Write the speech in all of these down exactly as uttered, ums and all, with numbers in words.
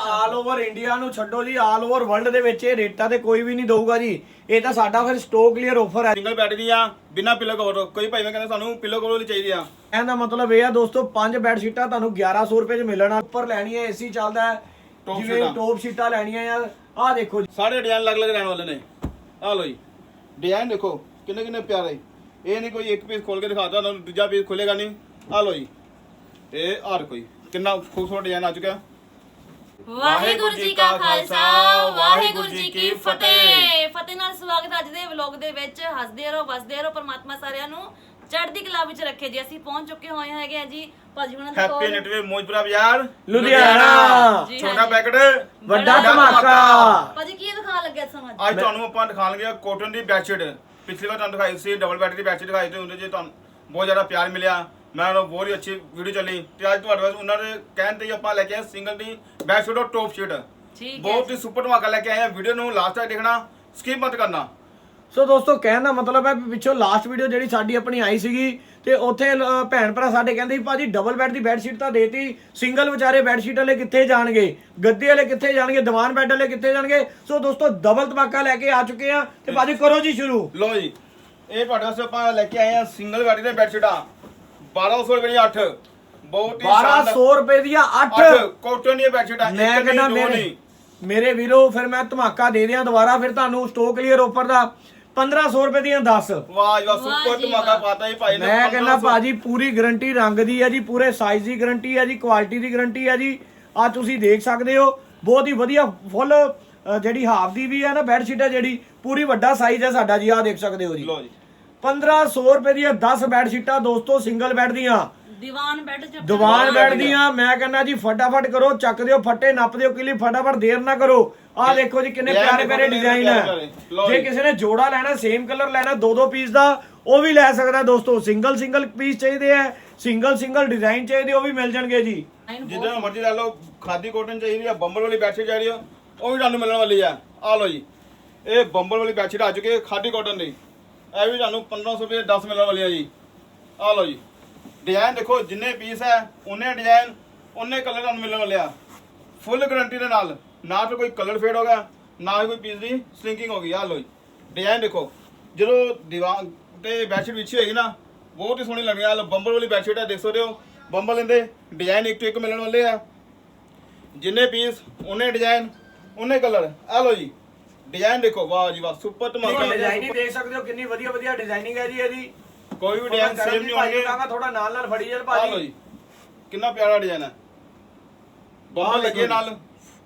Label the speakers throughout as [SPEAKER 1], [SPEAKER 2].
[SPEAKER 1] ਆਲ over India ਨੂੰ ਛੱਡੋ ਜੀ, ਆਲ ਓਵਰ ਵਰਲਡ ਦੇ ਵਿੱਚ ਇਹ ਰੇਟਾਂ ਤੇ ਕੋਈ ਵੀ ਨਹੀਂ ਦਊਗਾ ਜੀ। ਇਹ ਤਾਂ ਸਾਡਾ ਫਿਰ ਸਟੋਕ ਕਲੀਅਰ ਆਫਰ ਹੈ।
[SPEAKER 2] ਸਿੰਗਲ ਬੈੱਡ ਦੀਆਂ ਬਿਨਾ ਪਿਲੋ ਕਵਰ। ਕੋਈ ਭਾਈ ਮੈਂ ਕਹਿੰਦਾ ਸਾਨੂੰ ਪਿਲੋ ਕਵਰ ਵਾਲੀ ਚਾਹੀਦੀ ਆ।
[SPEAKER 1] ਇਹਦਾ ਮਤਲਬ ਇਹ ਆ ਦੋਸਤੋ, ਪੰਜ ਬੈੱਡ ਸ਼ੀਟਾਂ ਤੁਹਾਨੂੰ ਗਿਆਰਾਂ ਸੌ ਰੁਪਏ ਚ ਮਿਲਣਾ। ਉੱਪਰ ਲੈਣੀ ਹੈ ਏਸੀ ਚੱਲਦਾ ਹੈ, ਜਿਵੇਂ ਟੌਪ ਸ਼ੀਟਾਂ ਲੈਣੀਆਂ ਯਾਰ। ਆਹ ਦੇਖੋ ਜੀ,
[SPEAKER 2] ਸਾਰੇ ਡਿਜ਼ਾਈਨ ਅਲੱਗ ਅਲੱਗ ਰਹਿਣ ਵਾਲੇ ਨੇ। ਆਹ ਲੋ ਜੀ ਡਿਜ਼ਾਈਨ ਦੇਖੋ ਕਿੰਨੇ ਕਿੰਨੇ ਪਿਆਰੇ। ਇਹ ਨਹੀਂ ਕੋਈ ਇੱਕ ਪੀਸ ਖੋਲ ਕੇ ਦਿਖਾਤਾ ਤੁਹਾਨੂੰ ਦੂਜਾ ਪੀਸ ਖੁੱਲੇਗਾ ਨਹੀਂ। ਆਹ ਲੋ ਜੀ ਇਹ ਹਰ ਕੋਈ ਕਿੰਨਾ ਖੂਬਸੂਰਤ ਡਿਜ਼ਾਈਨ ਆ ਚੁੱਕਿਆ।
[SPEAKER 3] ਵਾਹਿਗੁਰੂ ਜੀ ਕਾ ਖਾਲਸਾ ਵਾਹਿਗੁਰੂ ਜੀ ਕੀ ਫਤਿਹ। ਫਤਿਹ ਨਾਲ ਸਵਾਗਤ ਅੱਜ ਦੇ ਵਲੌਗ ਦੇ ਵਿੱਚ। ਹੱਸਦੇ ਰਹੋ ਵਸਦੇ ਰਹੋ, ਪਰਮਾਤਮਾ ਸਾਰਿਆਂ ਨੂੰ ਚੜ੍ਹਦੀ ਕਲਾ ਵਿੱਚ ਰੱਖੇ ਜੀ। ਅਸੀਂ ਪਹੁੰਚ ਚੁੱਕੇ ਹੋਏ ਹੈਗੇ ਆ ਜੀ ਭਾਜੀ ਹੁਣਾਂ ਦੇ ਕੋਲ।
[SPEAKER 2] ਹੈਪੀ ਨੈਟਵੇ ਮੋਜਪੁਰਾ ਬਾਜ਼ਾਰ
[SPEAKER 1] ਲੁਧਿਆਣਾ।
[SPEAKER 2] ਛੋਟਾ ਪੈਕਟ
[SPEAKER 1] ਵੱਡਾ ਧਮਾਕਾ।
[SPEAKER 3] ਭਾਜੀ ਕੀ ਦਿਖਾ ਲੱਗਿਆ ਤੁਹਾਨੂੰ ਅੱਜ?
[SPEAKER 2] ਅੱਜ ਤੁਹਾਨੂੰ ਆਪਾਂ ਦਿਖਾਣਗੇ ਕਾਟਨ ਦੀ ਬੈਡਸ਼ੀਟ। ਪਿਛਲੀ ਵਾਰ ਤੁਹਾਨੂੰ ਦਿਖਾਈ ਸੀ ਡਬਲ ਬੈੱਡ ਦੀ ਬੈਡਸ਼ੀਟ ਦਿਖਾਈ ਤੇ ਉਹਦੇ 'ਚ ਤੁਹਾਨੂੰ ਬਹੁਤ ਜ਼ਿਆਦਾ ਪਿਆਰ ਮਿਲਿਆ। ਮੈਂ ਉਹ ਬਹੁਤ ਹੀ ਅੱਛੀ ਵੀਡੀਓ ਚੱਲੀ ਤੇ ਅੱਜ ਤੁਹਾਡੇ ਵਾਸਤੇ ਉਹਨਾਂ ਦੇ ਕਹਿਣ ਤੇ ਹੀ ਆਪਾਂ ਲੈ ਕੇ ਆਏ ਸਿੰਗਲ ਦੀ ਬੈਡਸ਼ੀਟ ਔਰ ਟੌਪ ਸ਼ੀਟ। ਬਹੁਤ ਹੀ ਸੁਪਰ ਧਮਾਕਾ ਲੈ ਕੇ ਆਏ ਆ। ਵੀਡੀਓ ਨੂੰ ਲਾਸਟ ਤੱਕ ਦੇਖਣਾ, ਸਕਿਪ ਮਤ ਕਰਨਾ।
[SPEAKER 1] ਸੋ ਦੋਸਤੋ ਕਹਿਣ ਦਾ ਮਤਲਬ ਹੈ ਵੀ ਪਿੱਛੋਂ ਲਾਸਟ ਵੀਡੀਓ ਜਿਹੜੀ ਸਾਡੀ ਆਪਣੀ ਆਈ ਸੀਗੀ ਤੇ ਉੱਥੇ ਭੈਣ ਭਰਾ ਸਾਡੇ ਕਹਿੰਦੇ ਸੀ ਭਾਜੀ ਡਬਲ ਬੈੱਡ ਦੀ ਬੈੱਡ ਸ਼ੀਟ ਤਾਂ ਦੇਤੀ, ਸਿੰਗਲ ਵਿਚਾਰੇ ਬੈੱਡ ਸ਼ੀਟ ਵਾਲੇ ਕਿੱਥੇ ਜਾਣਗੇ, ਗੱਦੇ ਵਾਲੇ ਕਿੱਥੇ ਜਾਣਗੇ, ਦੀਵਾਨ ਬੈੱਡ ਵਾਲੇ ਕਿੱਥੇ ਜਾਣਗੇ। ਸੋ ਦੋਸਤੋ ਡਬਲ ਧਮਾਕਾ ਲੈ ਕੇ ਆ ਚੁੱਕੇ ਆ ਤੇ ਭਾਜੀ ਕਰੋ ਜੀ ਸ਼ੁਰੂ।
[SPEAKER 2] ਲੋ ਜੀ ਇਹ ਤੁਹਾਡੇ ਵਾਸਤੇ ਆਪਾਂ ਲੈ ਕੇ ਆਏ ਆ ਸਿੰਗਲ ਬੈੱਡ ਦੀਆਂ ਬੈੱਡ ਸ਼ੀਟਾਂ ਬਾਰਾਂ ਸੌ ਰੁਪਏ ਦੀਆਂ ਅੱਠ। ਬਹੁਤ ਹੀ
[SPEAKER 1] ਬਾਰਾਂ ਸੌ ਰੁਪਏ ਦੀਆਂ ਅੱਠ
[SPEAKER 2] ਕਾਟਨ ਦੀਆਂ ਬੈੱਡ ਸ਼ੀਟਾਂ।
[SPEAKER 1] ਮੈਂ ਕਹਿੰਦਾ ਮੇਰੇ ਮੇਰੇ ਵੀਰੋ ਫਿਰ ਮੈਂ ਧਮਾਕਾ ਦੇ ਦਿਆਂ ਦੁਬਾਰਾ ਫਿਰ ਤੁਹਾਨੂੰ ਸਟੋਕ ਕਲੀਅਰ ਆਫਰ ਦਾ ਪੰਦਰਾਂ ਸੌ ਰੁਪਏ ਦੀਆਂ ਦਸ।
[SPEAKER 2] ਵਾਹ ਜੀ ਵਾਹ ਸੁਪਰ ਧਮਾਕਾ ਪਾਤਾ ਜੀ ਭਾਈ ਨੇ।
[SPEAKER 1] ਮੈਂ ਕਹਿੰਦਾ ਭਾਜੀ ਪੂਰੀ ਗਾਰੰਟੀ ਰੰਗ ਦੀ ਹੈ ਜੀ, ਪੂਰੇ ਸਾਈਜ਼ ਦੀ ਗਾਰੰਟੀ ਹੈ ਜੀ, ਕੁਆਲਿਟੀ ਦੀ ਗਾਰੰਟੀ ਹੈ ਜੀ। ਆ ਤੁਸੀਂ ਦੇਖ ਸਕਦੇ ਹੋ ਬਹੁਤ ਹੀ ਵਧੀਆ ਫੁੱਲ ਜਿਹੜੀ ਹਾਫ ਦੀ ਵੀ ਹੈ ਨਾ ਬੈੱਡ ਸ਼ੀਟ ਹੈ, ਜਿਹੜੀ ਪੂਰੀ ਵੱਡਾ ਸਾਈਜ਼ ਹੈ ਸਾਡਾ ਜੀ। ਆ ਦੇਖ ਸਕਦੇ ਹੋ ਜੀ
[SPEAKER 2] ਲੋ ਜੀ
[SPEAKER 1] ਪੰਦਰਾਂ ਸੌ ਰੁਪਏ ਦੀਆਂ ਦਸ ਬੈੱਡ ਸ਼ੀਟਾਂ ਦੋਸਤੋ, ਸਿੰਗਲ ਬੈੱਡ ਦੀਆਂ,
[SPEAKER 3] ਦੀਵਾਨ ਬੈੱਡ ਚ
[SPEAKER 1] ਦੀਵਾਨ ਬੈੱਡ ਦੀਆਂ। ਮੈਂ ਕਹਿੰਦਾ ਜੀ ਫਟਾਫਟ ਕਰੋ, ਚੱਕ ਦਿਓ ਫੱਟੇ, ਨੱਪ ਦਿਓ ਕਿਲੀ, ਫਟਾਫਟ ਦੇਰ ਨਾ ਕਰੋ। ਆਹ ਦੇਖੋ ਜੀ ਕਿੰਨੇ ਪਿਆਰੇ ਪਿਆਰੇ ਡਿਜ਼ਾਈਨ ਹੈ। ਜੇ ਕਿਸੇ ਨੇ ਜੋੜਾ ਲੈਣਾ, ਸੇਮ ਕਲਰ ਲੈਣਾ, ਦੋ ਦੋ ਪੀਸ ਦਾ ਉਹ ਵੀ ਲੈ ਸਕਦਾ ਦੋਸਤੋ। ਸਿੰਗਲ ਸਿੰਗਲ ਪੀਸ ਚਾਹੀਦੇ ਆ, ਸਿੰਗਲ ਸਿੰਗਲ ਡਿਜ਼ਾਈਨ ਚਾਹੀਦੇ, ਉਹ ਵੀ ਮਿਲ ਜਾਣਗੇ ਜੀ।
[SPEAKER 2] ਜਿੱਦਾਂ ਮਰਜ਼ੀ ਲੈ ਲਓ। ਖਾਦੀ ਕਾਟਨ ਚਾਹੀਦੀ ਆ, ਬੰਬਲ ਵਾਲੀ ਬੈਡਸ਼ੀਟ ਚਾਹੀਦੀ ਆ, ਉਹ ਵੀ ਤੁਹਾਨੂੰ ਮਿਲਣ ਵਾਲੀ ਆ। ਆ ਲਓ ਜੀ ਇਹ ਬੰਬਲ ਵਾਲੀ ਬੈਡਸ਼ੀਟ ਆ ਚੁੱਕੀ ਹੈ ਖਾਦੀ ਕਾਟਨ ਦੀ। ਇਹ ਵੀ ਤੁਹਾਨੂੰ ਪੰਦਰਾਂ ਸੌ ਰੁਪਏ ਦਸ ਮਿਲਣ ਵਾਲੀ ਆ ਜੀ। ਆ ਲਓ ਜੀ ਡਿਜ਼ਾਈਨ ਦੇਖੋ, ਜਿੰਨੇ ਪੀਸ ਹੈ ਉਹਨੇ ਡਿਜ਼ਾਈਨ ਉਹਨੇ ਕਲਰ ਤੁਹਾਨੂੰ ਮਿਲਣ ਵਾਲੇ ਆ। ਫੁੱਲ ਗਾਰੰਟੀ ਦੇ ਨਾਲ, ਨਾ ਤਾਂ ਕੋਈ ਕਲਰ ਫੇਡ ਹੋ ਗਿਆ, ਨਾ ਹੀ ਕੋਈ ਪੀਸ ਦੀ ਸਲਿੰਕਿੰਗ ਹੋ ਗਈ। ਆ ਲਓ ਜੀ ਡਿਜ਼ਾਈਨ ਦੇਖੋ, ਜਦੋਂ ਦੀਵਾਨ ਤੇ ਬੈਡਸ਼ੀਟ ਵਿਛੀ ਹੋਏਗੀ ਨਾ ਬਹੁਤ ਹੀ ਸੋਹਣੀ ਲੱਗਣੀ ਆ। ਬੰਬਲ ਵਾਲੀ ਬੈਡਸ਼ੀਟ ਹੈ, ਦੇਖ ਸਕਦੇ ਹੋ ਬੰਬਲ ਇਹਦੇ ਡਿਜ਼ਾਈਨ ਇੱਕ ਤੋਂ ਇੱਕ ਮਿਲਣ ਵਾਲੇ ਆ। ਜਿੰਨੇ ਪੀਸ ਉਹਨੇ ਡਿਜ਼ਾਈਨ ਉਹਨੇ ਕਲਰ। ਆ ਲਓ ਜੀ ਡਿਜ਼ਾਈਨ ਦੇਖੋ, ਵਾਹ ਜੀ ਵਾਹ ਸੁਪਰ ਧਮਾਕਾ।
[SPEAKER 1] ਡਿਜ਼ਾਈਨਿੰਗ ਦੇਖ ਸਕਦੇ ਹੋ ਕਿੰਨੀ ਵਧੀਆ ਵਧੀਆ ਡਿਜ਼ਾਈਨਿੰਗ ਹੈ ਜੀ ਇਹਦੀ।
[SPEAKER 2] ਕੋਈ ਵੀ ਡਿਜ਼ਾਈਨ ਸੇਮ ਨਹੀਂ ਹੋਣਗੇ।
[SPEAKER 1] ਥੋੜਾ ਨਾਲ ਨਾਲ ਫੜੀ ਚੱਲ
[SPEAKER 2] ਆ
[SPEAKER 1] ਭਾਜੀ।
[SPEAKER 2] ਲਓ ਜੀ ਕਿੰਨਾ ਪਿਆਰਾ ਡਿਜ਼ਾਈਨ ਹੈ, ਬੰਬਲ ਲੱਗੇ ਨਾਲ,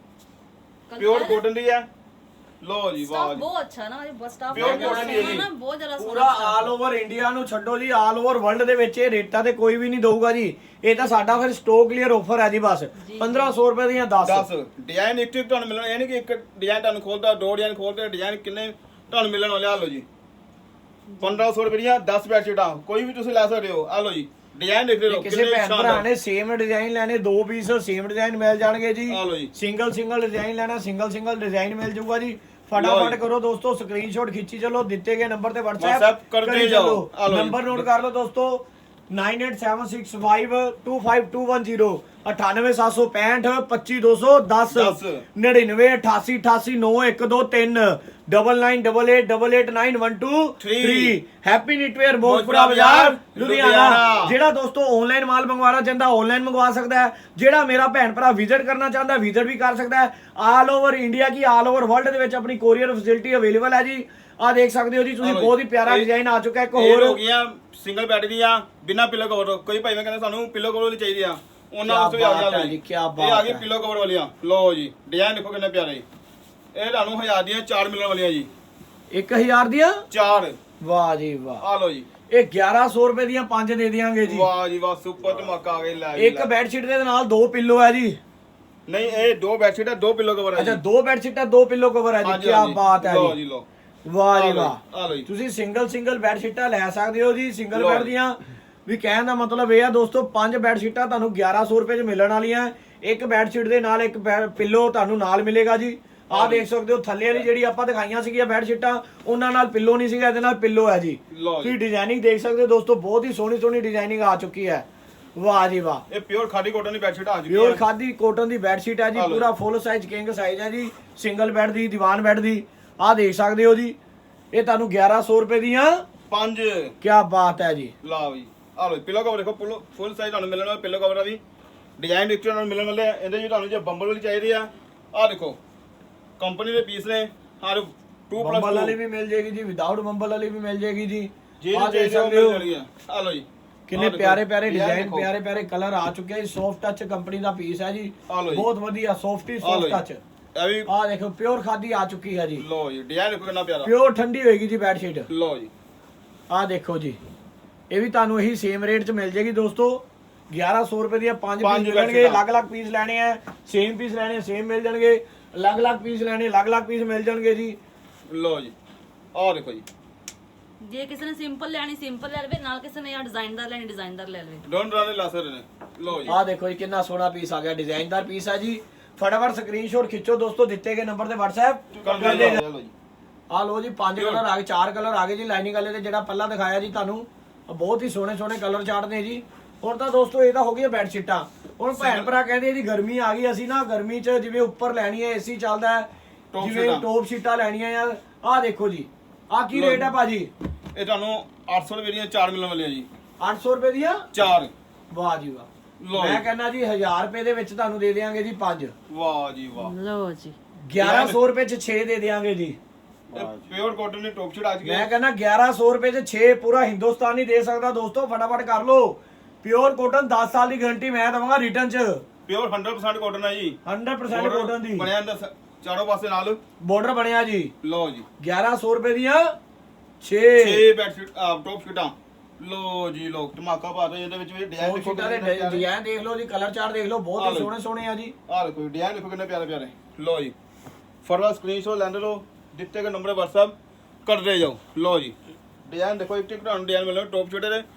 [SPEAKER 2] ਪਿਓਰ ਕਾਟਨ ਦੀ ਹੈ। ਲੋ ਜੀ ਵਾਹ ਜੀ
[SPEAKER 3] ਬਹੁਤ ਅੱਛਾ ਨਾ ਬਸ ਸਟਾਫ
[SPEAKER 2] Pure cotton ਦੀ ਹੈ ਜੀ।
[SPEAKER 3] ਬਹੁਤ ਜ਼ਿਆਦਾ
[SPEAKER 1] ਪੂਰਾ ਆਲ ਓਵਰ ਇੰਡੀਆ ਨੂੰ ਛੱਡੋ ਜੀ, ਆਲ ਓਵਰ ਵਰਲਡ ਦੇ ਵਿੱਚ ਇਹ ਰੇਟਾਂ ਤੇ ਕੋਈ ਵੀ ਨਹੀਂ ਦਊਗਾ ਜੀ। ਇਹ ਤਾਂ ਸਾਡਾ ਫਿਰ ਸਟੋਕ ਕਲੀਅਰ ਆਫਰ ਹੈ ਜੀ। ਬਸ ਪੰਦਰਾਂ ਸੌ ਰੁਪਏ ਦੀਆਂ ਦਸ
[SPEAKER 2] ਦਸ ਡਿਜ਼ਾਈਨ ਇੱਕ ਇੱਕ ਤੁਹਾਨੂੰ ਮਿਲਣਾ। ਇਹ ਨਹੀਂ ਕਿ ਇੱਕ ਡਿਜ਼ਾਈਨ ਤੁਹਾਨੂੰ ਖੋਲਦਾ, ਦੋ ਡਿਜ਼ਾਈਨ ਖੋਲਦੇ, ਡਿਜ਼ਾਈਨ ਕਿੰਨੇ ਤੁਹਾਨੂੰ ਮਿਲਣ ਵਾਲੇ। ਆ ਲਓ ਜੀ ਪੰਦਰਾਂ ਸੌ ਰੁਪਏ ਦੀਆਂ ਦਸ ਬੈਡਸ਼ੀਟਾਂ ਕੋਈ ਵੀ ਤੁਸੀਂ ਲੈ ਸਕਦੇ ਹੋ। ਆ ਲਓ ਜੀ ਡਿਜ਼ਾਈਨ ਦੇਖ ਲਓ
[SPEAKER 1] ਕਿਸੇ ਭੈਣ ਭਰਾ ਨੇ ਸੇਮ ਡਿਜ਼ਾਈਨ ਲੈਣੇ, ਦੋ ਪੀਸ ਸੇਮ ਡਿਜ਼ਾਈਨ ਮਿਲ ਜਾਣਗੇ ਜੀ।
[SPEAKER 2] ਆ ਲਓ ਜੀ
[SPEAKER 1] ਸਿੰਗਲ ਸਿੰਗਲ ਡਿਜ਼ਾਈਨ ਲੈਣਾ, ਸਿੰਗਲ ਸਿੰਗਲ ਡਿਜ਼ਾਈਨ ਮਿਲ ਜਾਊਗਾ ਜੀ। ਫਟਾਫਟ ਕਰੋ ਦੋਸਤੋ, ਸਕਰੀਨਸ਼ਾਟ ਖਿੱਚੀ ਚਲੋ, ਦਿੱਤੇ ਗਏ ਨੰਬਰ ਤੇ WhatsApp
[SPEAKER 2] ਕਰਦੇ ਜਾਓ।
[SPEAKER 1] ਨੰਬਰ ਨੋਟ ਕਰ ਲਓ ਦੋਸਤੋ, nine eight seven six five two five two one zero, ਅਠਾਨਵੇਂ ਸੱਤ ਸੌ ਪੈਂਹਠ ਪੱਚੀ ਦੋ ਸੌ ਦਸ, ਨੜਿਨਵੇਂ ਅਠਾਸੀ ਅਠਾਸੀ ਨੌ ਇੱਕ ਦੋ ਤਿੰਨ, double nine double eight double eight nine one two three. Happy knitwear Mojpura ਬਾਜ਼ਾਰ ਲੁਧਿਆਣਾ। ਜਿਹੜਾ ਦੋਸਤੋ ਆਨਲਾਈਨ ਮਾਲ ਮੰਗਵਾਉਣਾ ਚਾਹੁੰਦਾ ਆਨਲਾਈਨ ਮੰਗਵਾ ਸਕਦਾ ਹੈ। ਜਿਹੜਾ ਮੇਰਾ ਭੈਣ ਭਰਾ ਵਿਜ਼ਿਟ ਕਰਨਾ ਚਾਹੁੰਦਾ ਵਿਜ਼ਿਟ ਵੀ ਕਰ ਸਕਦਾ ਹੈ। ਆਲ ਓਵਰ ਇੰਡੀਆ ਕੀ ਆਲ ਓਵਰ ਵਰਲਡ ਦੇ ਵਿੱਚ ਆਪਣੀ ਕੋਰੀਅਰ ਫੈਸਿਲਿਟੀ ਅਵੇਲੇਬਲ ਹੈ ਜੀ। ਆ ਦੇਖ ਸਕਦੇ ਹੋ ਜੀ ਤੁਸੀਂ, ਬਹੁਤ ਹੀ ਪਿਆਰਾ ਡਿਜ਼ਾਈਨ ਆ ਚੁੱਕਾ। ਇੱਕ ਹੋਰ
[SPEAKER 2] ਹੋ ਗਈਆਂ ਸਿੰਗਲ ਬੈੱਡ ਦੀਆਂ ਬਿਨਾ ਪਿਲੋ ਕਵਰ। ਕੋਈ ਭਾਈ ਮੈਂ ਕਹਿੰਦਾ ਸਾਨੂੰ ਪਿਲੋ ਕਵਰ ਵਾਲੀ ਚਾਹੀਦੀ ਆ, ਉਹਨਾਂ ਵਾਸਤੇ ਵੀ ਆ ਗਿਆ ਜੀ।
[SPEAKER 1] ਕੀ
[SPEAKER 2] ਬਾਤ
[SPEAKER 1] ਬਾਤ
[SPEAKER 2] ਹੈ, ਆ ਗਈ ਪਿਲੋ ਕਵਰ ਵਾਲੀਆਂ। ਲਓ ਜੀ ਡਿਜ਼ਾਈਨ ਦੇਖੋ ਕਿੰਨੇ ਪਿਆਰੇ। ਇਹ ਤੁਹਾਨੂੰ ਹਜ਼ਾਰ ਦੀਆਂ ਚਾਰ ਮਿਲਣ ਵਾਲੀਆਂ ਜੀ।
[SPEAKER 1] ਇੱਕ ਹਜ਼ਾਰ ਦੀਆਂ
[SPEAKER 2] ਚਾਰ।
[SPEAKER 1] ਵਾਹ ਜੀ ਵਾਹ।
[SPEAKER 2] ਆ ਲਓ ਜੀ
[SPEAKER 1] ਇਹ ਗਿਆਰਾਂ ਸੌ ਰੁਪਏ ਦੀਆਂ ਪੰਜ ਦੇ ਦਿਆਂਗੇ ਜੀ।
[SPEAKER 2] ਵਾਹ ਜੀ ਵਾਹ ਸੁਪਰ ਧਮਾਕਾ ਆ ਗਿਆ। ਲੈ
[SPEAKER 1] ਇੱਕ ਬੈੱਡ ਸ਼ੀਟ ਦੇ ਨਾਲ ਦੋ ਪਿੱਲੋ ਹੈ ਜੀ।
[SPEAKER 2] ਨਹੀਂ ਇਹ ਦੋ ਬੈੱਡ ਸ਼ੀਟ ਹੈ, ਦੋ ਪਿਲੋ ਕਵਰ ਹੈ।
[SPEAKER 1] ਅੱਛਾ ਦੋ ਬੈੱਡ ਸ਼ੀਟਾਂ ਦੋ ਪਿੱਲੋ ਕਵਰ ਹੈ ਜੀ। ਕੀ ਬਾਤ ਹੈ
[SPEAKER 2] ਲਓ ਜੀ ਲਓ
[SPEAKER 1] ਵਾਹ ਜੀ ਵਾਹ।
[SPEAKER 2] ਆ ਲਓ ਜੀ
[SPEAKER 1] ਤੁਸੀਂ ਸਿੰਗਲ ਸਿੰਗਲ ਬੈੱਡ ਸ਼ੀਟਾਂ ਲੈ ਸਕਦੇ ਹੋ ਜੀ। ਸਿੰਗਲ ਬੈੱਡ ਦੀਆਂ ਵੀ ਕਹਿਣ ਦਾ ਮਤਲਬ ਇਹ ਆ ਦੋਸਤੋ, ਪੰਜ ਬੈੱਡ ਸ਼ੀਟਾਂ ਤੁਹਾਨੂੰ ਗਿਆਰਾਂ ਸੌ ਰੁਪਏ ਚ ਮਿਲਣ ਵਾਲੀਆਂ। ਇੱਕ ਬੈੱਡ ਸ਼ੀਟ ਦੇ ਨਾਲ ਇੱਕ ਪਿੱਲੋ ਤੁਹਾਨੂੰ ਨਾਲ ਮਿਲੇਗਾ ਜੀ। ਆਹ ਦੇਖ ਸਕਦੇ ਹੋ ਥੱਲੇ ਵਾਲੀ ਜਿਹੜੀ ਆਪਾਂ ਦਿਖਾਈਆਂ ਸੀਗੀਆਂ ਬੈੱਡ ਸ਼ੀਟਾਂ, ਉਹਨਾਂ ਨਾਲ ਪਿੱਲੋ ਨਹੀਂ ਸੀਗਾ, ਇਹਦੇ ਨਾਲ ਪਿੱਲੋ ਹੈ ਜੀ। ਤੁਸੀਂ ਡਿਜ਼ਾਈਨਿੰਗ ਦੇਖ ਸਕਦੇ ਹੋ ਦੋਸਤੋ, ਬਹੁਤ ਹੀ ਸੋਹਣੀ ਸੋਹਣੀ ਡਿਜ਼ਾਈਨਿੰਗ ਆ ਚੁੱਕੀ ਹੈ। ਵਾਹ ਜੀ ਵਾਹ।
[SPEAKER 2] ਇਹ ਪਿਓਰ ਖਾਦੀ ਕਾਟਨ ਦੀ ਬੈਡਸ਼ੀਟ ਆ ਚੁੱਕੀ
[SPEAKER 1] ਪਿਓਰ
[SPEAKER 2] ਹੈ।
[SPEAKER 1] ਖਾਦੀ ਕਾਟਨ ਦੀ ਬੈੱਡ ਸ਼ੀਟ ਹੈ ਜੀ,
[SPEAKER 2] ਆ ਲਓ
[SPEAKER 1] ਪੂਰਾ ਫੁੱਲ ਸਾਈਜ਼ ਕਿੰਗ ਸਾਈਜ਼ ਹੈ ਜੀ, ਸਿੰਗਲ ਬੈੱਡ ਦੀ, ਦੀਵਾਨ ਬੈੱਡ ਦੀ। ਆਹ ਦੇਖ ਸਕਦੇ ਹੋ ਜੀ, ਇਹ ਤੁਹਾਨੂੰ ਗਿਆਰਾਂ ਸੌ ਰੁਪਏ ਦੀਆਂ
[SPEAKER 2] ਪੰਜ।
[SPEAKER 1] ਕੀ ਬਾਤ ਹੈ ਜੀ।
[SPEAKER 2] ਲਓ ਜੀ ਆ ਲਓ ਪਿੱਲੋ ਕਵਰ ਦੇਖੋ, ਫੁੱਲ ਸਾਈਜ਼ ਤੁਹਾਨੂੰ ਮਿਲਣ ਵਾਲਾ ਪਿੱਲੋ ਕਵਰ ਆ ਵੀ, ਡਿਜ਼ਾਈਨ ਵਿੱਚ ਤੁਹਾਨੂੰ ਮਿਲਣ ਵਾਲੇ ਆ। ਇਹਦੇ ਵਿੱਚ ਤੁਹਾਨੂੰ ਜੇ ਬੰਬਲ ਵਾਲੀ ਚਾਹੀਦੀ ਆ, ਆਹ ਦੇਖੋ ਕੰਪਨੀ ਦੇ ਪੀਸ ਨੇ, ਹਰ ਟੂ ਪਲੱਸ
[SPEAKER 1] ਬੰਬਲ ਵਾਲੀ ਵੀ ਮਿਲ ਜੇਗੀ ਜੀ, ਵਿਦਆਊਟ ਬੰਬਲ ਵਾਲੀ ਵੀ ਮਿਲ ਜੇਗੀ ਜੀ।
[SPEAKER 2] ਜੀ
[SPEAKER 1] ਆਹ ਦੇਖ
[SPEAKER 2] ਜੀ
[SPEAKER 1] ਸਕਦੇ ਹੋ
[SPEAKER 2] ਆ ਲਓ ਜੀ
[SPEAKER 1] ਕਿੰਨੇ ਪਿਆਰੇ ਪਿਆਰੇ ਡਿਜ਼ਾਈਨ, ਪਿਆਰੇ ਪਿਆਰੇ ਕਲਰ ਆ ਚੁੱਕੇ ਆ ਜੀ। ਸੌਫਟ ਟੱਚ ਕੰਪਨੀ ਦਾ ਪੀਸ ਹੈ ਜੀ,
[SPEAKER 2] ਆ ਲਓ ਜੀ।
[SPEAKER 1] ਬਹੁਤ ਵਧੀਆ ਸੌਫਟੀ ਸੌਫਟ ਟੱਚ।
[SPEAKER 2] ਇਹ ਵੀ
[SPEAKER 1] ਆਹ ਦੇਖੋ ਪਿਓਰ ਖਾਦੀ ਆ ਚੁੱਕੀ ਹੈ ਜੀ।
[SPEAKER 2] ਲਓ ਜੀ ਡਿਜ਼ਾਈਨ ਦੇਖੋ ਕਿੰਨਾ ਪਿਆਰਾ,
[SPEAKER 1] ਪਿਓਰ ਠੰਡੀ ਹੋਏਗੀ ਜੀ ਬੈੱਡ ਸ਼ੀਟ।
[SPEAKER 2] ਲਓ ਜੀ
[SPEAKER 1] ਆਹ ਦੇਖੋ ਜੀ, ਇਹ ਵੀ ਤੁਹਾਨੂੰ ਇਹੀ ਸੇਮ ਰੇਟ 'ਚ ਮਿਲ ਜੇਗੀ ਦੋਸਤੋ। ਗਿਆਰਾਂ ਸੌ ਰੁਪਏ ਦੀਆਂ ਪੰਜ
[SPEAKER 2] ਪੰਜ
[SPEAKER 1] ਪੀਸ ਮਿਲਣਗੇ।
[SPEAKER 2] ਬੈਡਸ਼ੀਟਾਂ।
[SPEAKER 1] ਅਲੱਗ-ਅਲੱਗ ਪੀਸ ਲੈਣੇ ਆ, ਸੇਮ ਪੀਸ ਲੈਣੇ ਸੇਮ ਮਿਲ ਜਾਣਗੇ, ਅਲੱਗ-ਅਲੱਗ ਪੀਸ ਲੈਣੇ ਅਲੱਗ-ਅਲੱਗ ਪੀਸ ਮਿਲ ਜਾਣਗੇ ਜੀ।
[SPEAKER 2] ਲਓ ਜੀ ਆਹ ਦੇਖੋ ਜੀ,
[SPEAKER 3] ਜੇ ਕਿਸੇ ਨੇ ਸਿੰਪਲ ਲੈਣੀ ਸਿੰਪਲ ਲੈ ਲਵੇ, ਨਾਲ ਕਿਸੇ ਨੇ ਆ ਡਿਜ਼ਾਈਨਦਾਰ ਲੈਣੀ ਡਿਜ਼ਾਈਨਦਾਰ ਲੈ ਲਵੇ।
[SPEAKER 2] ਡੋਨ ਰਾਣੇ ਲਾ ਸਕਦੇ ਨੇ। ਲਓ ਜੀ
[SPEAKER 1] ਆਹ ਦੇਖੋ ਜੀ ਕਿੰਨਾ ਸੋਹਣਾ ਪੀਸ ਆ ਗਿਆ, ਡਿਜ਼ਾਈਨਦਾਰ ਪੀਸ ਹੈ ਜੀ। ਫਟਾਫਟ ਸਕਰੀਨਸ਼ਾਟ ਖਿੱਚੋ ਦੋਸਤੋ, ਦਿੱਤੇ ਗਏ ਨੰਬਰ ਤੇ WhatsApp
[SPEAKER 2] ਕਰ
[SPEAKER 1] ਕਰ
[SPEAKER 2] ਦੇ
[SPEAKER 1] ਦੇ।
[SPEAKER 2] ਲਓ ਜੀ
[SPEAKER 1] ਆਹ ਲੋ ਜੀ ਪੰਜ ਕਲਰ ਆ ਗਏ, ਚਾਰ ਕਲਰ ਆ ਗਏ ਜੀ ਲਾਈਨਿੰਗ ਵਾਲੇ ਤੇ, ਜਿਹੜਾ ਪਹਿਲਾਂ ਦਿਖਾਇਆ ਜੀ ਤੁਹਾਨੂੰ ਬਹੁਤ ਹੀ ਸੋਹਣੇ ਸੋਹਣੇ ਕਲਰ ਚਾਰਟ ਨੇ ਜੀ। ਹੁਣ ਤਾਂ ਦੋਸਤੋ ਇਹ ਤਾਂ ਹੋ ਗਈਆਂ ਬੈੱਡ ਸ਼ੀਟਾਂ। ਹੁਣ ਭੈਣ ਭਰਾ ਕਹਿੰਦੇ ਜੀ ਗਰਮੀ ਆ ਗਈ, ਅਸੀਂ ਨਾ ਗਰਮੀ 'ਚ ਜਿਵੇਂ ਉੱਪਰ ਲੈਣੀ ਹੈ ਏਸੀ ਚੱਲਦਾ ਹੈ,
[SPEAKER 2] ਟੌਪ
[SPEAKER 1] ਜਿਵੇਂ
[SPEAKER 2] ਸ਼ੀਟਾਂ।
[SPEAKER 1] ਟੌਪ ਸ਼ੀਟਾਂ ਲੈਣੀਆਂ ਯਾਰ। ਆਹ ਦੇਖੋ ਜੀ, ਆਹ ਕੀ ਰੇਟ ਹੈ ਭਾਜੀ?
[SPEAKER 2] ਇਹ ਤੁਹਾਨੂੰ ਅੱਠ ਸੌ ਰੁਪਏ ਦੀਆਂ ਚਾਰ ਮਿਲਣ ਵਾਲੀਆਂ ਜੀ,
[SPEAKER 1] ਅੱਠ ਸੌ ਰੁਪਏ ਦੀਆਂ
[SPEAKER 2] ਚਾਰ।
[SPEAKER 1] ਵਾਹ ਜੀ ਵਾਹ।
[SPEAKER 2] ਲਓ
[SPEAKER 1] ਮੈਂ
[SPEAKER 2] ਜੀ।
[SPEAKER 1] ਕਹਿੰਦਾ ਜੀ ਹਜ਼ਾਰ ਰੁਪਏ ਦੇ ਵਿੱਚ ਤੁਹਾਨੂੰ ਦੇ ਦੇਵਾਂਗੇ ਜੀ ਪੰਜ।
[SPEAKER 2] ਵਾਹ ਜੀ ਵਾਹ।
[SPEAKER 3] ਲਓ ਜੀ
[SPEAKER 1] ਗਿਆਰਾਂ ਸੌ ਰੁਪਏ 'ਚ ਛੇ ਦੇ ਦੇਵਾਂਗੇ ਜੀ।
[SPEAKER 2] ਇਹ ਪਿਓਰ ਕਾਟਨ ਦੀ ਟੌਪ ਸ਼ੀਟ ਆ ਚੁੱਕੀ
[SPEAKER 1] ਮੈਂ
[SPEAKER 2] ਹੈ।
[SPEAKER 1] ਕਹਿੰਦਾ ਗਿਆਰਾਂ ਸੌ ਰੁਪਏ 'ਚ ਛੇ ਪੂਰਾ ਹਿੰਦੁਸਤਾਨ ਨਹੀਂ ਦੇ ਸਕਦਾ ਦੋਸਤੋ, ਫਟਾਫਟ ਕਰ ਲਓ। ਪਿਓਰ ਕਾਟਨ ਦਸ ਸਾਲ ਦੀ ਗਾਰੰਟੀ ਮੈਂ ਦਵਾਂਗਾ ਰਿਟਰਨ 'ਚ।
[SPEAKER 2] ਪਿਓਰ ਹੰਡਰਡ ਪਰਸੈਂਟ ਕਾਟਨ ਹੈ ਜੀ,
[SPEAKER 1] ਹੰਡਰਡ ਪਰਸੈਂਟ
[SPEAKER 2] Border
[SPEAKER 1] ਕਾਟਨ ਦੀ
[SPEAKER 2] ਬਣਿਆ ਹੁੰਦਾ ਸ- ਚਾਰੋਂ ਪਾਸੇ ਨਾਲ।
[SPEAKER 1] ਬਾਰਡਰ ਬਣਿਆ ਜੀ।
[SPEAKER 2] ਲਓ ਜੀ
[SPEAKER 1] ਗਿਆਰਾਂ ਸੌ ਰੁਪਏ ਦੀਆਂ ਛੇ
[SPEAKER 2] ਛੇ ਬੈੱਡ ਸ਼ੀਟ ਟੌਪ ਸ਼ੀਟਾਂ। ਲਓ ਜੀ ਲਓ ਧਮਾਕਾ ਪਾ ਦਿਓ। ਇਹਦੇ ਵਿੱਚ ਵੀ ਡਿਜ਼ਾਈਨ ਦੇਖੋ
[SPEAKER 1] ਸ਼ੀਟਾਂ ਦੇ ਡਿਜ਼ਾਈਨ ਦੇਖ ਲਓ ਜੀ, ਕਲਰ ਚਾਰਟ ਦੇਖ ਲਓ, ਬਹੁਤ
[SPEAKER 2] ਆਹ
[SPEAKER 1] ਹੀ
[SPEAKER 2] ਲਓ।
[SPEAKER 1] ਸੋਹਣੇ ਸੋਹਣੇ ਆ ਜੀ।
[SPEAKER 2] ਆਹ ਦੇਖੋ ਡਿਜ਼ਾਈਨ ਦੇਖੋ ਕਿੰਨੇ ਪਿਆਰੇ ਪਿਆਰੇ। ਲਓ ਜੀ ਫਟਾਫਟ ਸਕਰੀਨਸ਼ਾਟ ਲੈਂਦੇ ਲਓ, ਦਿੱਤੇ ਗਏ ਨੰਬਰ WhatsApp ਕਰਦੇ ਜਾਓ। ਲਓ ਜੀ ਡਿਜ਼ਾਈਨ ਦੇਖੋ, ਇੱਕ ਇੱਕ ਤੁਹਾਨੂੰ ਡਿਜ਼ਾਈਨ ਮਿਲਣਾ ਟੌਪ ਸ਼ੀਟ ਦੇ।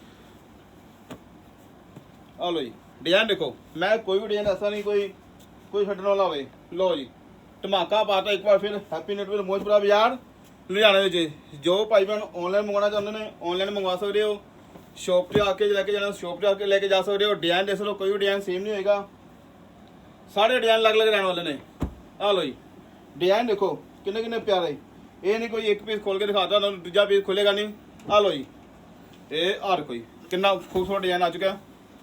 [SPEAKER 2] ਆ ਲਓ ਜੀ ਡਿਜ਼ਾਈਨ ਦੇਖੋ, ਮੈਂ ਕੋਈ ਵੀ ਡਿਜ਼ਾਈਨ ਐਸਾ ਨਹੀਂ ਕੋਈ ਕੋਈ ਛੱਡਣ ਵਾਲਾ ਹੋਵੇ। ਲਓ ਜੀ ਧਮਾਕਾ ਪਾਤਾ ਇੱਕ ਵਾਰ ਫਿਰ। ਹੈਪੀ ਨੈਟਵਰਕ ਮੋਜਪੁਰਾ ਬਾਜ਼ਾਰ ਲੁਧਿਆਣਾ ਵਿੱਚ। ਜੋ ਭਾਈ ਭੈਣ ਆਨਲਾਈਨ ਮੰਗਵਾਉਣਾ ਚਾਹੁੰਦੇ ਨੇ ਆਨਲਾਈਨ ਮੰਗਵਾ ਸਕਦੇ ਹੋ, ਸ਼ੌਪ 'ਤੇ ਆ ਕੇ ਲੈ ਕੇ ਜਾਣਾ ਸ਼ੌਪ 'ਤੇ ਆ ਕੇ ਲੈ ਕੇ ਜਾ ਸਕਦੇ ਹੋ। ਡਿਜ਼ਾਈਨ ਦੇਖ ਲਓ, ਕੋਈ ਵੀ ਡਿਜ਼ਾਈਨ ਸੇਮ ਨਹੀਂ ਹੋਏਗਾ, ਸਾਰੇ ਡਿਜ਼ਾਈਨ ਅਲੱਗ ਅਲੱਗ ਰਹਿਣ ਵਾਲੇ ਨੇ। ਆ ਲਓ ਜੀ ਡਿਜ਼ਾਈਨ ਦੇਖੋ ਕਿੰਨੇ ਕਿੰਨੇ ਪਿਆਰੇ। ਇਹ ਨਹੀਂ ਕੋਈ ਇੱਕ ਪੀਸ ਖੋਲ ਕੇ ਦਿਖਾਤਾ ਤੁਹਾਨੂੰ ਦੂਜਾ ਪੀਸ ਖੁੱਲੇਗਾ ਨਹੀਂ। ਆ ਲਓ ਜੀ ਇਹ ਹਰ ਕੋਈ ਕਿੰਨਾ ਖੂਬਸੂਰਤ ਡਿਜ਼ਾਈਨ ਆ ਚੁੱਕਾ।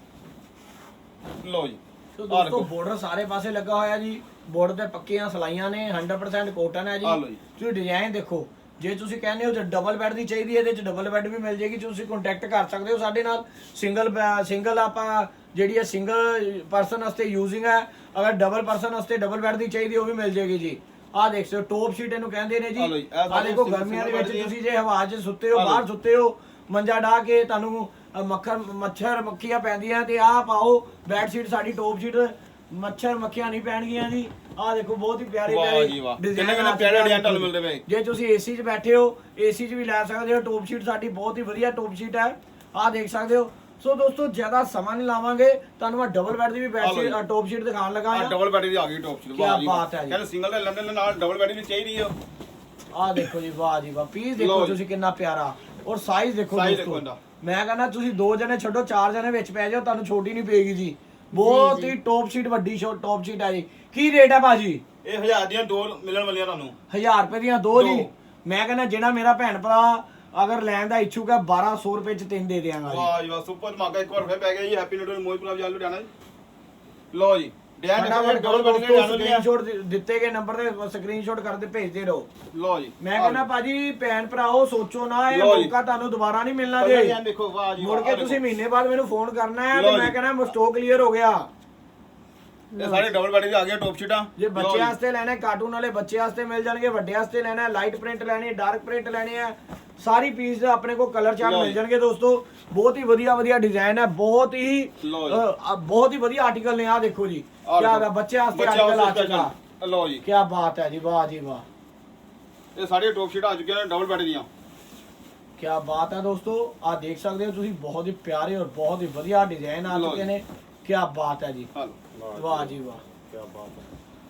[SPEAKER 2] ਲਓ ਜੀ
[SPEAKER 1] ਸੋ
[SPEAKER 2] ਆਹ
[SPEAKER 1] ਦੋਸਤੋ
[SPEAKER 2] ਦੇਖੋ।
[SPEAKER 1] ਬਾਰਡਰ ਸਾਰੇ ਪਾਸੇ ਲੱਗਾ ਹੋਇਆ ਜੀ, ਬਾਰਡਰ ਤੇ ਪੱਕੀਆਂ ਸਲਾਈਆਂ ਨੇ, ਹੰਡਰਡ ਪਰਸੈਂਟ ਕਾਟਨ ਹੈ ਜੀ।
[SPEAKER 2] ਆਹ ਲਓ ਜੀ।
[SPEAKER 1] ਤੁਸੀਂ ਡਿਜ਼ਾਈਨ ਦੇਖੋ, ਜੇ ਤੁਸੀਂ ਕਹਿੰਦੇ ਹੋ ਜੇ ਡਬਲ ਬੈੱਡ ਦੀ ਚਾਹੀਦੀ ਹੈ, ਇਹਦੇ ਚ ਡਬਲ ਬੈੱਡ ਵੀ ਮਿਲ ਜੇਗੀ। ਤੁਸੀਂ ਕੰਟੈਕਟ ਕਰ ਸਕਦੇ ਹੋ ਸਾਡੇ ਨਾਲ। ਸਿੰਗਲ ਸਿੰਗਲ ਆਪਾਂ ਜਿਹੜੀ ਹੈ ਸਿੰਗਲ ਪਰਸਨ ਵਾਸਤੇ ਯੂਜ਼ਿੰਗ ਹੈ, ਅਗਰ ਡਬਲ ਪਰਸਨ ਵਾਸਤੇ ਡਬਲ ਬੈੱਡ ਦੀ ਚਾਹੀਦੀ ਉਹ ਵੀ ਮਿਲ ਜੇਗੀ ਜੀ। ਆਹ ਦੇਖ ਸਕਦੇ ਹੋ ਟੌਪ ਸ਼ੀਟ ਇਹਨੂੰ ਕਹਿੰਦੇ ਨੇ ਜੀ।
[SPEAKER 2] ਆਹ ਲਓ ਜੀ, ਇਹ
[SPEAKER 1] ਆਹ
[SPEAKER 2] ਸਾਰੇ
[SPEAKER 1] ਦੇਖੋ
[SPEAKER 2] single-
[SPEAKER 1] ਗਰਮੀਆਂ ਦੇ
[SPEAKER 2] single
[SPEAKER 1] ਵਿੱਚ
[SPEAKER 2] bed ਦੀ
[SPEAKER 1] ਤੁਸੀਂ ਜੇ ਹਵਾ 'ਚ ਸੁੱਤੇ ਹੋ,
[SPEAKER 2] ਆਹ ਲਓ
[SPEAKER 1] ਬਾਹਰ
[SPEAKER 2] ਜੀ।
[SPEAKER 1] ਸੁੱਤੇ ਹੋ, ਮੰਜਾ ਢਾ ਕੇ ਤੁਹਾਨੂੰ ਅ, ਮੱਖਰ ਮੱਛਰ ਮੱਖੀਆਂ ਪੈਂਦੀਆਂ ਤੇ ਆਹ ਪਾਓ ਬੈੱਡ ਸ਼ੀਟ ਸਾਡੀ ਟੌਪ ਸ਼ੀਟ, ਮੱਛਰ ਮੱਖੀਆਂ ਨਹੀਂ ਪੈਣਗੀਆਂ ਜੀ। ਆਹ ਦੇਖੋ ਬਹੁਤ ਹੀ ਪਿਆਰੇ
[SPEAKER 2] ਵਾਹ
[SPEAKER 1] ਪਿਆਰੇ
[SPEAKER 2] ਜੀ ਵਾਹ।
[SPEAKER 1] design
[SPEAKER 2] ਕਿੰਨੇ ਕਿੰਨੇ
[SPEAKER 1] ਆ
[SPEAKER 2] ਪਿਆਰੇ
[SPEAKER 1] ਚੁੱਕੇ ਆ।
[SPEAKER 2] design ਤੁਹਾਨੂੰ ਮਿਲਦੇ ਪਏ।
[SPEAKER 1] ਜੇ ਤੁਸੀਂ ਏਸੀ 'ਚ ਬੈਠੇ ਹੋ ਏਸੀ 'ਚ ਵੀ ਲੈ ਸਕਦੇ ਹੋ। ਟੌਪ ਸ਼ੀਟ ਸਾਡੀ ਬਹੁਤ ਹੀ ਵਧੀਆ ਟੌਪ ਸ਼ੀਟ ਹੈ, ਆਹ ਦੇਖ ਸਕਦੇ ਹੋ। ਸੋ ਦੋਸਤੋ ਜ਼ਿਆਦਾ ਸਮਾਂ ਨਹੀਂ ਲਾਵਾਂਗੇ, ਤੁਹਾਨੂੰ ਮੈਂ ਡਬਲ ਬੈੱਡ ਦੀ ਵੀ ਬੈੱਡ ਸ਼ੀਟ ਟੌਪ ਸ਼ੀਟ ਦਿਖਾਉਣ ਲੱਗਾ
[SPEAKER 2] ਆ
[SPEAKER 1] ਹਾਂ।
[SPEAKER 2] ਡਬਲ ਬੈਡ ਦੀ ਆ ਗਈ ਟੌਪ ਸ਼ੀਟ।
[SPEAKER 1] ਕਿਆ ਬਾਤ ਹੈ ਜੀ।
[SPEAKER 2] ਕਹਿੰਦੇ ਸਿੰਗਲ ਦੇ ਲੰਡਨ ਨਾਲ ਡਬਲ ਬੈਡ ਵੀ ਚਾਹੀਦੀ ਆ।
[SPEAKER 1] ਆਹ ਦੇਖੋ ਜੀ, ਵਾਹ ਜੀ ਵਾਹ। ਪੀਸ
[SPEAKER 2] ਲਓ
[SPEAKER 1] ਦੇਖੋ
[SPEAKER 2] ਜੀ।
[SPEAKER 1] ਤੁਸੀਂ ਕਿੰਨਾ ਪਿਆਰਾ, ਔਰ ਸਾਈਜ਼ ਦੇਖੋ
[SPEAKER 2] Size ਦੇਖੋ
[SPEAKER 1] ਦੋਸਤੋ।
[SPEAKER 2] ਇਹਦਾ।
[SPEAKER 1] ਮੈਂ ਕਹਿੰਦਾ ਤੁਸੀਂ ਦੋ ਜਣੇ ਛੱਡੋ, ਚਾਰ ਜਣੇ ਵਿੱਚ ਪੈ ਜਾਓ, ਤੁਹਾਨੂੰ ਛੋਟੀ ਨਹੀਂ ਪਏਗੀ ਜੀ। ਬਹੁਤ ਹੀ ਟੌਪ ਸ਼ੀਟ, ਵੱਡੀ ਸ਼ੋਟ ਟੌਪ ਸ਼ੀਟ ਹੈ ਜੀ। ਕੀ ਰੇਟ ਹੈ ਭਾਜੀ?
[SPEAKER 2] ਇਹ ਹਜ਼ਾਰ ਦੀਆਂ ਦੋ ਮਿਲਣ ਵਾਲੀਆਂ ਤੁਹਾਨੂੰ।
[SPEAKER 1] ਹਜ਼ਾਰ ਰੁਪਏ ਦੀਆਂ ਦੋ ਜੀ।
[SPEAKER 2] ਦੋ।
[SPEAKER 1] ਮੈਂ ਕਹਿੰਦਾ ਜਿਹੜਾ ਮੇਰਾ ਭੈਣ ਭਰਾ ਅਗਰ ਲੈਣ ਦਾ ਇੱਛੁਕ ਹੈ ਬਾਰਾਂ ਸੌ ਰੁਪਏ ਚ ਤਿੰਨ ਦੇ ਦਿਆਂਗਾ ਜੀ।
[SPEAKER 2] ਵਾਹ ਜੀ ਵਾਹ ਸੁਪਰ ਧਮਾਕਾ ਇੱਕ ਵਾਰ ਫਿਰ ਪੈ ਗਿਆ ਜੀ। ਹੈਪੀ ਨਿਊ ਇਅਰ ਮੋਜਪੁਰਾ ਬਾਜ਼ਾਰ ਲੁਧਿਆਣਾ ਜੀ। ਲਓ ਜੀ ਡਿਜ਼ਾਈਨ
[SPEAKER 1] ਫਟਾਫਟ
[SPEAKER 2] ਡਬਲ ਬੈਡ ਦੀਆਂ ਜਾਣ ਵਾਲੀਆਂ।
[SPEAKER 1] ਸਕਰੀਨਸ਼ਾਟ ਦਿੱਤੇ ਗਏ ਨੰਬਰ ਤੇ ਸਕਰੀਨਸ਼ਾਟ ਕਰਦੇ ਭੇਜਦੇ ਰਹੋ।
[SPEAKER 2] ਲਓ ਜੀ
[SPEAKER 1] ਮੈਂ ਕਹਿੰਦਾ ਭਾਜੀ ਭੈਣ ਭਰਾਓ ਸੋਚੋ ਨਾ, ਇਹ
[SPEAKER 2] ਲਓ ਜੀ।
[SPEAKER 1] ਮੌਕਾ ਤੁਹਾਨੂੰ ਦੁਬਾਰਾ ਨਹੀਂ ਮਿਲਣਾ
[SPEAKER 2] ਕਲਰ
[SPEAKER 1] ਜੀ।
[SPEAKER 2] ਡਿਜ਼ਾਈਨ ਦੇਖੋ ਵਾਹ ਜੀ
[SPEAKER 1] ਮੁੜ
[SPEAKER 2] ਵਾਹ।
[SPEAKER 1] ਕੇ
[SPEAKER 2] ਆਹ
[SPEAKER 1] ਤੁਸੀਂ
[SPEAKER 2] ਦੇਖੋ।
[SPEAKER 1] ਮਹੀਨੇ ਬਾਅਦ ਮੈਨੂੰ ਫੋਨ ਕਰਨਾ ਹੈ
[SPEAKER 2] ਲਓ
[SPEAKER 1] ਤੇ ਮੈਂ
[SPEAKER 2] ਜੀ।
[SPEAKER 1] ਕਹਿੰਦਾ ਸਟਾਕ ਕਲੀਅਰ ਹੋ ਗਿਆ।
[SPEAKER 2] ਇਹ ਸਾਰੇ ਡਬਲ ਬੈਡ ਦੀ ਆ ਗਈਆਂ ਟੌਪ ਸ਼ੀਟਾਂ।
[SPEAKER 1] ਜੇ
[SPEAKER 2] ਲਓ
[SPEAKER 1] ਬੱਚੇ
[SPEAKER 2] ਜੀ।
[SPEAKER 1] ਵਾਸਤੇ ਲੈਣਾ ਕਾਰਟੂਨ ਵਾਲੇ ਬੱਚੇ ਵਾਸਤੇ ਮਿਲ ਜਾਣਗੇ, ਵੱਡੇ ਵਾਸਤੇ ਲੈਣਾ ਲਾਈਟ ਪ੍ਰਿੰਟ ਲੈਣੀ, ਡਾਰਕ ਪ੍ਰਿੰਟ ਲੈਣੇ ਆ, ਸਾਰੀ ਪੀਸ ਆਪਣੇ ਕੋਲ ਕਲਰ ਚਾਰਟ
[SPEAKER 2] ਲਓ
[SPEAKER 1] ਮਿਲ
[SPEAKER 2] ਜੀ।
[SPEAKER 1] ਜਾਣਗੇ ਦੋਸਤੋ। ਬਹੁਤ ਹੀ ਵਧੀਆ ਵਧੀਆ ਡਿਜ਼ਾਈਨ ਹੈ, ਬਹੁਤ ਹੀ
[SPEAKER 2] ਲਓ ਜੀ।
[SPEAKER 1] ਅ, ਬਹੁਤ ਹੀ ਵਧੀਆ ਆਰਟੀਕਲ ਨੇ। ਆ ਦੇਖੋ ਜੀ
[SPEAKER 2] ਆਹ
[SPEAKER 1] ਕਿਆ
[SPEAKER 2] ਦੇਖੋ।
[SPEAKER 1] ਹੈ, ਬੱਚੇ ਵਾਸਤੇ
[SPEAKER 2] ਬੱਚਿਆਂ
[SPEAKER 1] ਆਰਟੀਕਲ ਆ
[SPEAKER 2] ਵਾਸਤੇ
[SPEAKER 1] ਚੁੱਕਾ।
[SPEAKER 2] special। ਲਓ ਜੀ
[SPEAKER 1] ਕੀ ਬਾਤ ਹੈ ਜੀ, ਵਾਹ ਜੀ ਵਾਹ।
[SPEAKER 2] ਇਹ ਸਾਰੀਆਂ ਟੌਪ ਸ਼ੀਟਾਂ ਆ ਚੁੱਕੀਆਂ ਨੇ ਡਬਲ ਬੈਡ ਦੀਆਂ।
[SPEAKER 1] ਕੀ ਬਾਤ ਹੈ ਦੋਸਤੋ, ਆ ਦੇਖ ਸਕਦੇ ਹੋ ਤੁਸੀਂ, ਬਹੁਤ ਹੀ ਪਿਆਰੇ ਔਰ ਬਹੁਤ ਹੀ ਵਧੀਆ ਡਿਜ਼ਾਈਨ ਆ
[SPEAKER 2] ਲਓ
[SPEAKER 1] ਚੁੱਕੇ
[SPEAKER 2] ਜੀ।
[SPEAKER 1] ਨੇ। ਕੀ ਬਾਤ ਹੈ ਜੀ,
[SPEAKER 2] ਹਲੋ
[SPEAKER 1] ਵਾਹ ਜੀ ਵਾਹ।
[SPEAKER 2] ਕੀ ਬਾਤ ਹੈ।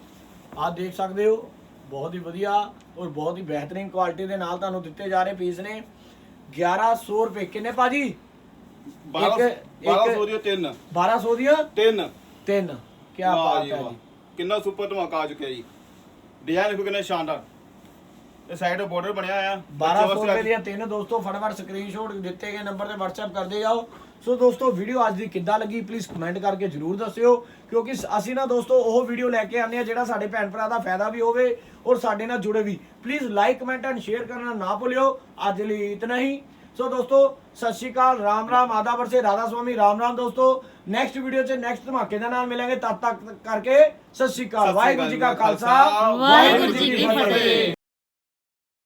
[SPEAKER 1] ਆਹ ਦੇਖ ਸਕਦੇ ਹੋ ਬਹੁਤ ਹੀ ਵਧੀਆ ਔਰ ਬਹੁਤ ਹੀ ਬਿਹਤਰੀਨ ਕੁਆਲਿਟੀ ਦੇ ਨਾਲ ਤੁਹਾਨੂੰ ਦਿੱਤੇ ਜਾ ਰਹੇ ਪੀਸ ਨੇ। ਗਿਆਰਾਂ ਸੌ ਰੁਪਏ ਕਿੰਨੇ ਭਾਜੀ?
[SPEAKER 2] ਬਾਰਾਂ ਬਾਰਾਂ ਸੌ ਦੀਆਂ ਤਿੰਨ
[SPEAKER 1] ਬਾਰਾਂ ਸੌ ਦੀਆਂ
[SPEAKER 2] ਤਿੰਨ
[SPEAKER 1] ਤਿੰਨ ਕੀ
[SPEAKER 2] ਵਾਹ
[SPEAKER 1] ਬਾਤ
[SPEAKER 2] ਜੀ
[SPEAKER 1] ਹੈ
[SPEAKER 2] ਵਾਹ।
[SPEAKER 1] ਜੀ।
[SPEAKER 2] ਕਿੰਨਾ ਸੁਪਰ ਧਮਾਕਾ ਆ ਚੁੱਕਿਆ ਜੀ। ਡਿਜ਼ਾਈਨ ਦੇਖੋ ਕਿੰਨਾ ਸ਼ਾਨਦਾਰ। ਇਹ ਸਾਈਡ ਬਾਰਡਰ ਬਣਿਆ ਆ
[SPEAKER 1] ਬਾਰਾਂ ਸੌ ਰੁਪਏ ਦੀਆਂ ਤਿੰਨ ਦੋਸਤੋ ਫਟਾਫਟ ਸਕਰੀਨਸ਼ਾਟ ਦਿੱਤੇ ਗਏ ਨੰਬਰ ਤੇ WhatsApp ਕਰਦੇ ਜਾਓ। ਸੋ ਦੋਸਤੋ ਵੀਡੀਓ ਅੱਜ ਦੀ ਕਿੱਦਾਂ ਲੱਗੀ ਪਲੀਜ਼ ਕਮੈਂਟ ਕਰਕੇ ਜਰੂਰ ਦੱਸਿਓ, ਕਿਉਂਕਿ ਅਸੀਂ ਨਾ ਦੋਸਤੋ ਉਹ ਵੀਡੀਓ ਲੈ ਕੇ ਆਉਂਦੇ ਆ ਜਿਹੜਾ ਸਾਡੇ ਭੈਣ ਭਰਾ ਦਾ ਫਾਇਦਾ ਵੀ ਹੋਵੇ ਔਰ ਸਾਡੇ ਨਾਲ ਜੁੜੇ ਵੀ। Please like comment and share ਕਰਨਾ ਨਾ ਭੁੱਲਿਓ। ਅੱਜ ਲਈ ਇਤਨਾ ਹੀ। ਸੋ ਦੋਸਤੋ ਸਤਿ ਸ਼੍ਰੀ ਅਕਾਲ, ਰਾਮ ਰਾਮ, ਆਦਾਬਰ ਸੇ ਰਾਧਾ ਸਵਾਮੀ, ਰਾਮ ਰਾਮ ਦੋਸਤੋ। ਨੈਕਸਟ ਵੀਡੀਓ 'ਚ ਨੈਕਸਟ ਧਮਾਕੇ ਦੇ ਨਾਲ ਮਿਲਾਂਗੇ। ਤਦ ਤੱਕ ਕਰਕੇ ਸਤਿ ਸ਼੍ਰੀ ਅਕਾਲ। ਵਾਹਿਗੁਰੂ ਜੀ ਕਾ ਖਾਲਸਾ, ਵਾਹਿਗੁਰੂ ਜੀ ਕੀ ਫਤਿਹ।